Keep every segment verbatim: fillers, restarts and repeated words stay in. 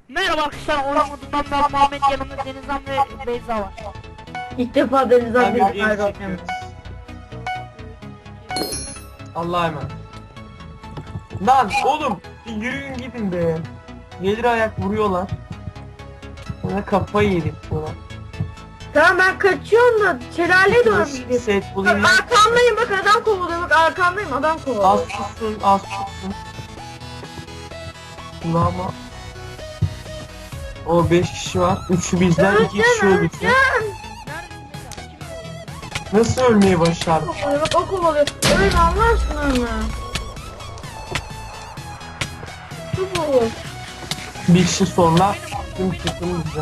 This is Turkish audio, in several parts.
Merhaba arkadaşlar, Orhan'dan ben Muhammed, yanımda Denizhan ve Beyza var. İlk defa Denizhan Abi bir game ayrı çekiyoruz. oynuyorum. Allah'a emanet. Lan oğlum bir yürüyün gidin be. Gelir ayak vuruyorlar. Bana kafayı yedik buna. Tamam ben kaçıyorum da şelaleye doğru mu gidiyorsun? Set Bak bulayım. arkamdayım, bak adam kovalıyor, bak arkamdayım, adam Az kovalıyor. tutsun, az tutsun. Kulağıma. O beş kişi var. Üçü bizden, iki kişi Öleceğim, öldükse. öleceğim. Nasıl ölmeyi başardın? Kovalıyor, bak o kovalıyor. Öyle Allah aşkına mı? Bu. Bir kişi sonra tüm takım bize.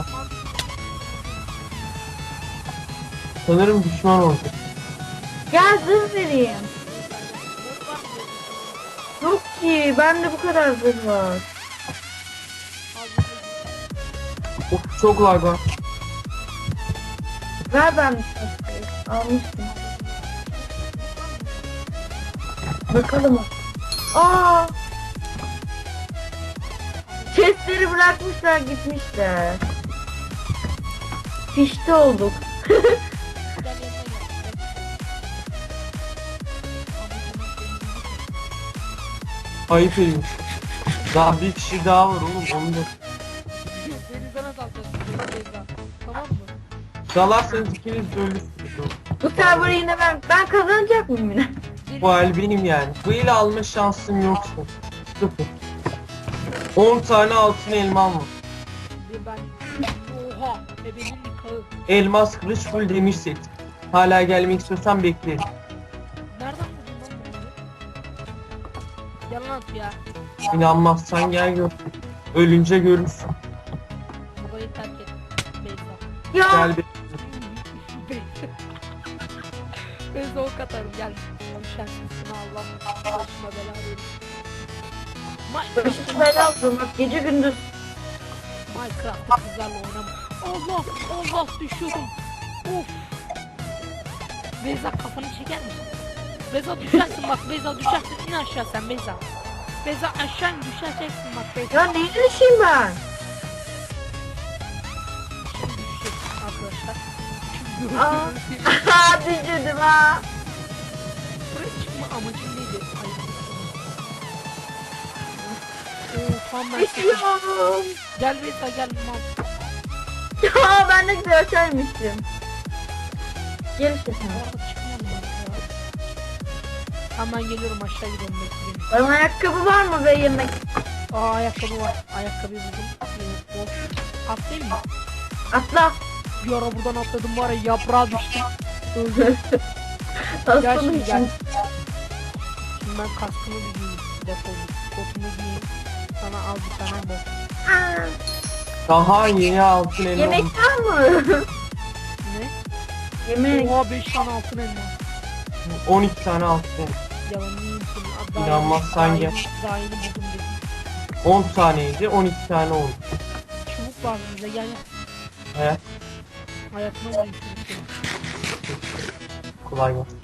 Sanırım düşman oldu. Gel zırh vereyim. Yok ki, bende bu kadar zırh var. Of çok lag var. Ver ben bir şey. Almıştım. Bakalım. Aa! Chestleri bırakmışlar, gitmişler. Pişti olduk. Ayıp edilmiş. Daha bir kişi daha var oğlum. Onu da Denizhan'a dalacaksın Beyza, tamam mı? dalarsanız ikiniz de ölürsünüz oğlum. Bu server'ı yine ben ben kazanacak mıyım yine? Bu el benim yani. Bu ile alma şansım yoksa. Sıfır. on tane altın elmam var. Bir ben. Oha, bebeğin nikahı. Elmas kılıç full demir set. Hala gelmek istiyorsan beklerim. Nereden buldun lan bunları? Yalan at ya. İnanmazsan gel gör. Ölünce görürsün. Burayı terk et Beyza. Ya Gel be. Beyza. Beyza ok atarım, gel. Düşersin sana, Allah başıma bela verir. başım bela olsun, bak gece gündüz. Minecraft'ta kızlarla oynama. Allah Allah, düşüyorum. Of. Beyza, kafanı çeker misin? Beyza düşersin bak, Beyza düşersin, in aşağı sen Beyza. Beyza aşağı in, düşeceksin bak Beyza. Ya neyle düşeyim ben? Şimdi düşeceksin arkadaşlar. Şimdi Aa. Ha düşürdüm ha. buraya çıkma amacım neydi? Hayır. Oo tam ben seçtim. Düşüyorum. Gel Beyza gel mal. Ya ben ne güzel açarmışım. Gel işte sen. Orada çıkmadım ben ya. Tamam ben geliyorum, aşağı gidelim, bekleyin. Bana ayakkabı var mı be yemek? Aa ayakkabı var. Ayakkabıyı buldum. Ee, boş. Atlayayım mı? Atla. Bir ara buradan atladım var ya, yaprağa düştüm. Öldüm. Gel Aslanım şimdi gel. için. Şimdi ben kaskımı bir giyeyim. Defol. Kotumu giyeyim. Sana al bir tane bot. Aa, Daha yeni altın elmam. yemek var mı? Ne? Yemek. Oha beş tane altın elma. on iki tane altın elma. Yalan yiyeyim seni. Daha İnanmazsan yeni- gel. daha yeni- Daha yeni buldum dedim. on taneydi, on iki tane oldu. Çubuk var bize, gel gel. Hayat Hayatına vurayım çubukları. kolay gelsin.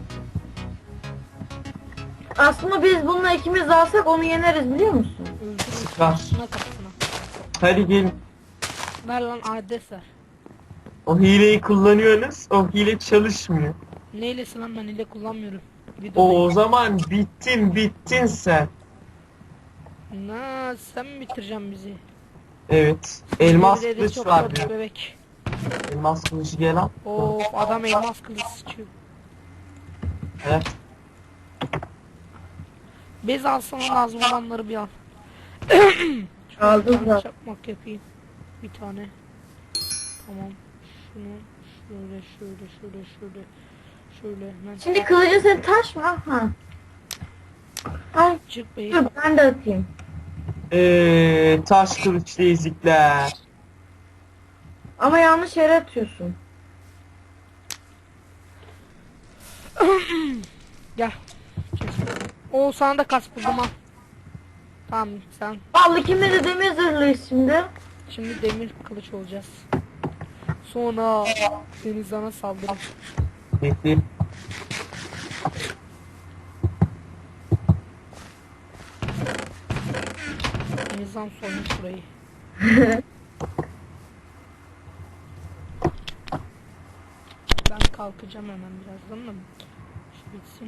Aslında biz bununla ikimiz alsak onu yeneriz biliyor musun? Öldürürüm. Sıkar. Kapısına kapısına. Hadi gelin. Ver lan adres ver. O hileyi kullanıyorsunuz. O hile çalışmıyor. Neylesi lan, ben ile kullanmıyorum. O, Videodayım. o zaman bittin bittin sen. Na sen mi bitireceksin bizi? Evet. Elmas Birileri kılıç çok var kötü diyor. bebek. Elmas kılıcı gel al. Of adam elmas kılıç sıçıyor. Evet. Bez alsana, lazım olanları bir al. Aldım Bir tane zaten. çakmak yapayım. Bir tane. Tamam. Şunu şöyle şöyle şöyle şöyle şöyle hemen. Şimdi kılıcın senin taş mı? Ha. Ay Çık bey. dur ben de atayım. Eee taş kılıçlı ezikler. Ama yanlış yere atıyorsun. Gel. O sana da kas buldum al. Tamam sen. Vallahi kimle de demir zırhlıyız şimdi. Şimdi demir kılıç olacağız. Sonra Denizhan'a saldırın. Bekle. Denizhan soymuş burayı. Ben kalkacağım hemen birazdan da. Şu bitsin.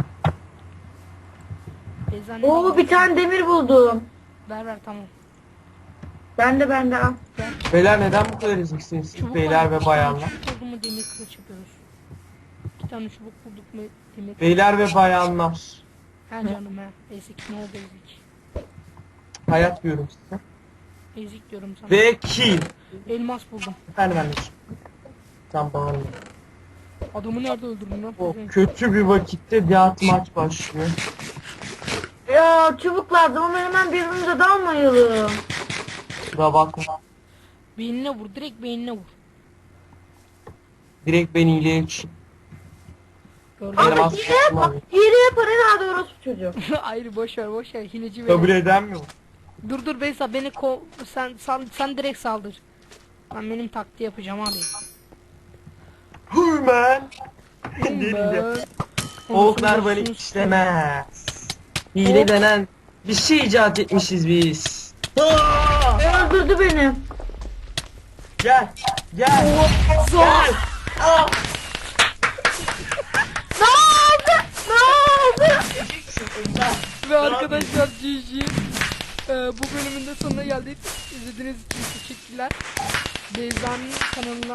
Beyza ne Oo var? bir tane demir buldum. Ver ver tamam. Ben de ben de al. Ver. Beyler neden bu kadar eziksiniz? Çubuk Beyler var. ve İki bayanlar. tane çubuk oldu mu demir kılıç yapıyoruz. İki tane çubuk bulduk mu demir kılıç. Beyler ve bayanlar. Ha canım ha. Ezik ne oldu ezik. Hayat diyorum size. Ezik diyorum sana. Ve kill. Elmas buldum. Efendim anneciğim. Tam bağırma. Adamı nerede öldürdün lan? O kötü bir vakitte bir at maç başlıyor. Ya çubuk lazım ama hemen birbirimize dalmayalım. Kusura bakma. Beynine vur. Direkt beynine vur. Direkt beni iyileyecek. Gördün Benim mü? Ama az hile korktum yap. abi. Hile yapar herhalde orospu çocuğu. Ayrı boş ver boş ver. Hileci Kabul ver. eden mi bu? Dur dur Beyza beni ko sen sen, sen direkt saldır. Ben benim taktiği yapacağım abi. Hümen. Ben- Delirdi. Ondan Oklar sonra böyle şunu- işlemez. Hile denen bir şey icat etmişiz biz. Aa! Öldürdü beni. Gel. Gel. Zor. Aa! Ne oldu? Ne oldu? Ve arkadaşlar G G. Ee, bu bölümün de sonuna geldik. İzlediğiniz için teşekkürler. Beyza'nın kanalına